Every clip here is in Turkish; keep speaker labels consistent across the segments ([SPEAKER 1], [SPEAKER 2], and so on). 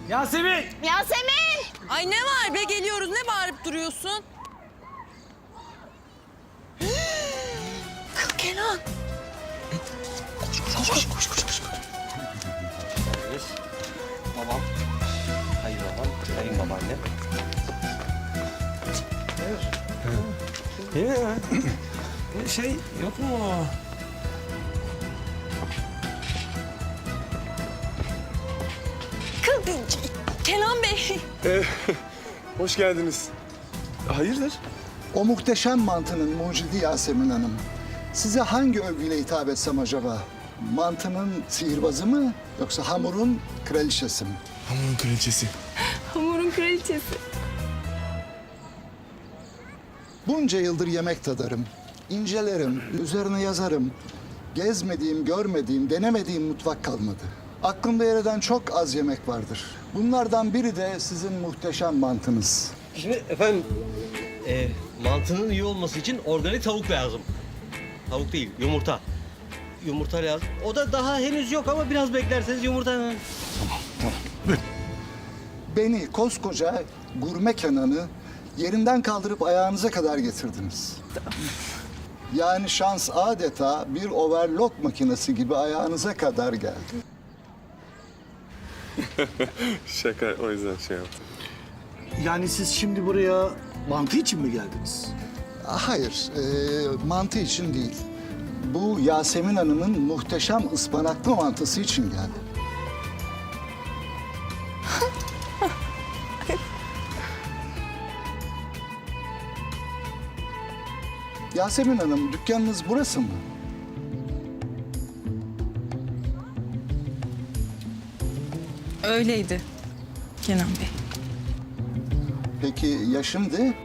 [SPEAKER 1] Yasemin!
[SPEAKER 2] Yasemin!
[SPEAKER 3] Ay ne var be, geliyoruz, ne bağırıp duruyorsun? Kız Kenan. Koş.
[SPEAKER 1] Babam, kayınbabam, kayınbabaannem. Şey yok mu?
[SPEAKER 3] Kenan Bey.
[SPEAKER 4] Hoş geldiniz. Hayırdır?
[SPEAKER 5] O muhteşem mantının mucidi Yasemin Hanım. Size hangi övgüyle hitap etsem acaba? Mantının sihirbazı mı yoksa hamurun kraliçesi mi?
[SPEAKER 4] Hamurun kraliçesi.
[SPEAKER 2] Hamurun kraliçesi.
[SPEAKER 5] Bunca yıldır yemek tadarım, incelerim, üzerine yazarım. Gezmediğim, görmediğim, denemediğim mutfak kalmadı. Aklımda yer eden çok az yemek vardır. Bunlardan biri de sizin muhteşem mantınız.
[SPEAKER 1] Şimdi efendim, mantının iyi olması için organik tavuk lazım. Tavuk değil, yumurta. Yumurta lazım. O da daha henüz yok ama biraz beklerseniz yumurta...
[SPEAKER 5] Beni koskoca gurme Kenan'ı yerinden kaldırıp ayağınıza kadar getirdiniz. Yani şans adeta bir overlock makinesi gibi ayağınıza kadar geldi.
[SPEAKER 4] Şaka, o yüzden şey yaptım.
[SPEAKER 6] Yani siz şimdi buraya mantı için mi geldiniz?
[SPEAKER 5] Hayır, mantı için değil. Bu Yasemin Hanım'ın muhteşem ıspanaklı mantısı için geldim. Yasemin Hanım, dükkanınız burası mı?
[SPEAKER 3] Öyleydi Kenan Bey.
[SPEAKER 5] Peki ya şimdi?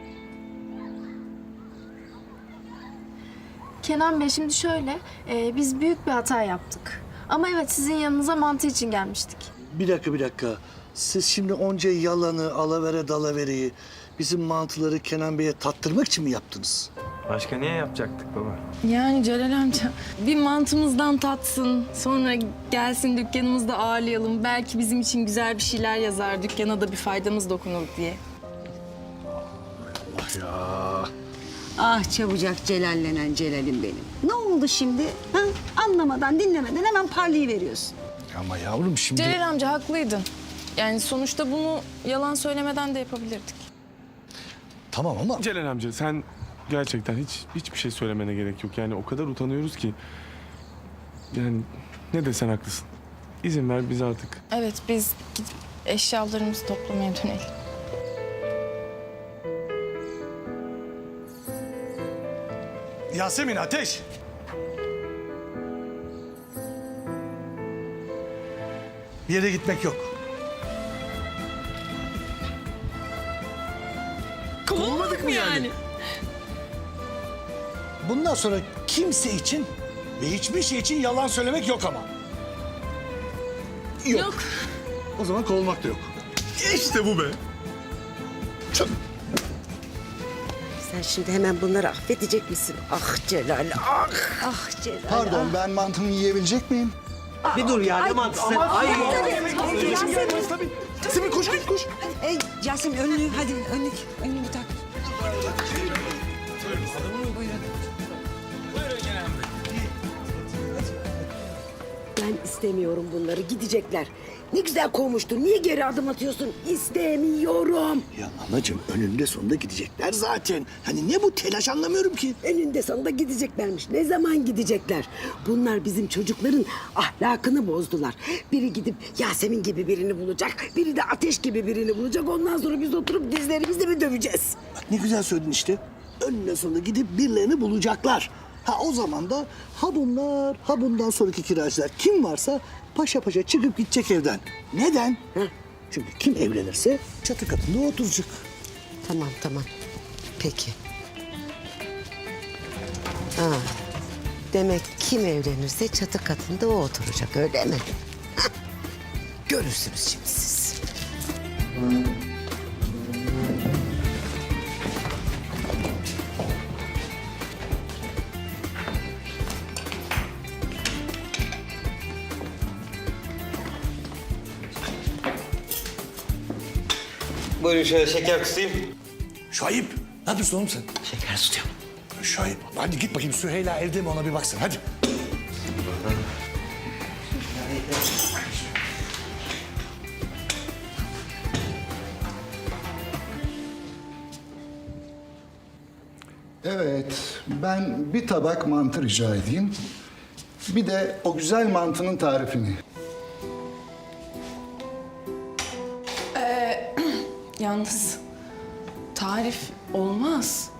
[SPEAKER 2] Kenan Bey şimdi şöyle, biz büyük bir hata yaptık. Ama evet sizin yanınıza mantı için gelmiştik.
[SPEAKER 6] Bir dakika. Siz şimdi onca yalanı, alavere dalavereyi bizim mantıları Kenan Bey'e tattırmak için mi yaptınız?
[SPEAKER 7] Başka niye yapacaktık baba?
[SPEAKER 3] Yani Celal amca bir mantımızdan tatsın, sonra gelsin dükkanımızda ağırlayalım. Belki bizim için güzel bir şeyler yazar, dükkana da bir faydamız dokunur diye.
[SPEAKER 8] Ah çabucak celallenen Celal'im benim. Ne oldu şimdi? Ha? Anlamadan, dinlemeden hemen parlayıveriyorsun.
[SPEAKER 6] Ama yavrum şimdi...
[SPEAKER 3] Celal amca haklıydın. Yani sonuçta bunu yalan söylemeden de yapabilirdik.
[SPEAKER 6] Tamam ama...
[SPEAKER 4] Celal amca sen gerçekten hiçbir şey söylemene gerek yok. Yani o kadar utanıyoruz ki. Yani ne desen haklısın. İzin ver biz artık.
[SPEAKER 3] Evet, biz gidip eşyalarımızı toplamaya dönelim.
[SPEAKER 6] Yasemin, Ateş! Bir yere gitmek yok.
[SPEAKER 3] Kovulmadık mı yani?
[SPEAKER 6] Bundan sonra kimse için ve hiçbir şey için yalan söylemek yok ama. Yok. O zaman kovulmak da yok.
[SPEAKER 4] İşte bu be.
[SPEAKER 8] Sen şimdi hemen bunları affedecek misin? Ah Celal, ah Celal.
[SPEAKER 5] Pardon, ben mantımı yiyebilecek miyim?
[SPEAKER 1] Bir dur ya, ne mantısı? Ay,
[SPEAKER 6] Yasemin koş.
[SPEAKER 8] Ey Yasemin önlüğü hadi önlüğü tak. Ben istemiyorum bunları, gidecekler. Ne güzel kovmuştun, niye geri adım atıyorsun? İstemiyorum.
[SPEAKER 6] Ya anacığım önünde sonunda gidecekler zaten. Hani ne bu telaş anlamıyorum ki.
[SPEAKER 8] Eninde sonunda gideceklermiş. Ne zaman gidecekler? Bunlar bizim çocukların ahlakını bozdular. Biri gidip Yasemin gibi birini bulacak, biri de Ateş gibi birini bulacak. Ondan sonra biz oturup dizlerimizle mi döveceğiz?
[SPEAKER 6] Bak ne güzel söyledin işte. Önüne sonunda gidip birilerini bulacaklar. Ha o zaman da ha bunlar ha bundan sonraki kiracılar kim varsa paşa paşa çıkıp gidecek evden. Neden? Çünkü kim evlenirse çatı katında oturacak.
[SPEAKER 8] Tamam. Peki. Ha, demek kim evlenirse çatı katında o oturacak öyle mi? Hah, görürsünüz şimdi siz.
[SPEAKER 1] Buyurun şöyle şeker kısayım.
[SPEAKER 6] Şahip, ne yapıyorsun oğlum sen?
[SPEAKER 1] Şeker tutuyorum.
[SPEAKER 6] Şahip, hadi git bakayım Süheyla evde mi ona bir baksın hadi.
[SPEAKER 5] Evet, ben bir tabak mantı rica edeyim. Bir de o güzel mantının tarifini.
[SPEAKER 3] Yalnız tarif olmaz.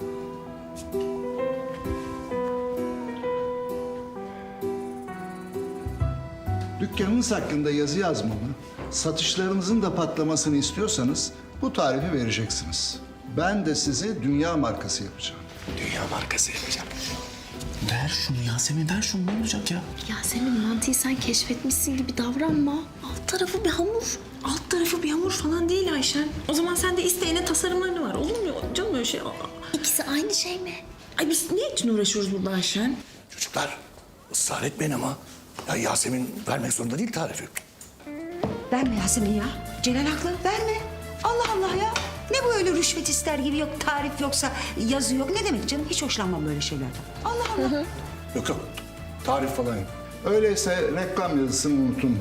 [SPEAKER 5] Dükkanınız hakkında yazı yazmamı, satışlarınızın da patlamasını istiyorsanız bu tarifi vereceksiniz. Ben de sizi dünya markası yapacağım.
[SPEAKER 6] Dünya markası yapacağım. Ver şunu Yasemin, ver şunu ne olacak ya?
[SPEAKER 2] Yasemin mantıyı sen keşfetmişsin gibi davranma. Alt tarafı bir hamur.
[SPEAKER 3] Alt tarafı bir hamur falan değil Ayşen. O zaman sen de isteyene tasarımlarını var. Olur mu canım öyle şey?
[SPEAKER 2] İkisi aynı şey mi?
[SPEAKER 3] Ay biz ne için uğraşıyoruz burada Ayşen?
[SPEAKER 6] Çocuklar, ısrar etmeyin ama. Ya Yasemin vermek zorunda değil tarifi.
[SPEAKER 9] Verme Yasemin ya. Celal haklı, verme. Allah Allah ya. Ne bu öyle rüşvet ister gibi yok, tarif yoksa yazı yok. Ne demek canım? Hiç hoşlanmam böyle şeylerden. Allah Allah.
[SPEAKER 6] Yok yok, tarif falan yok.
[SPEAKER 5] Öyleyse reklam yazısını unutun.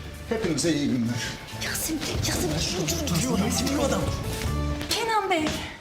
[SPEAKER 5] Hepinize iyi günler.
[SPEAKER 2] Yasemin şunu
[SPEAKER 3] Kenan Bey.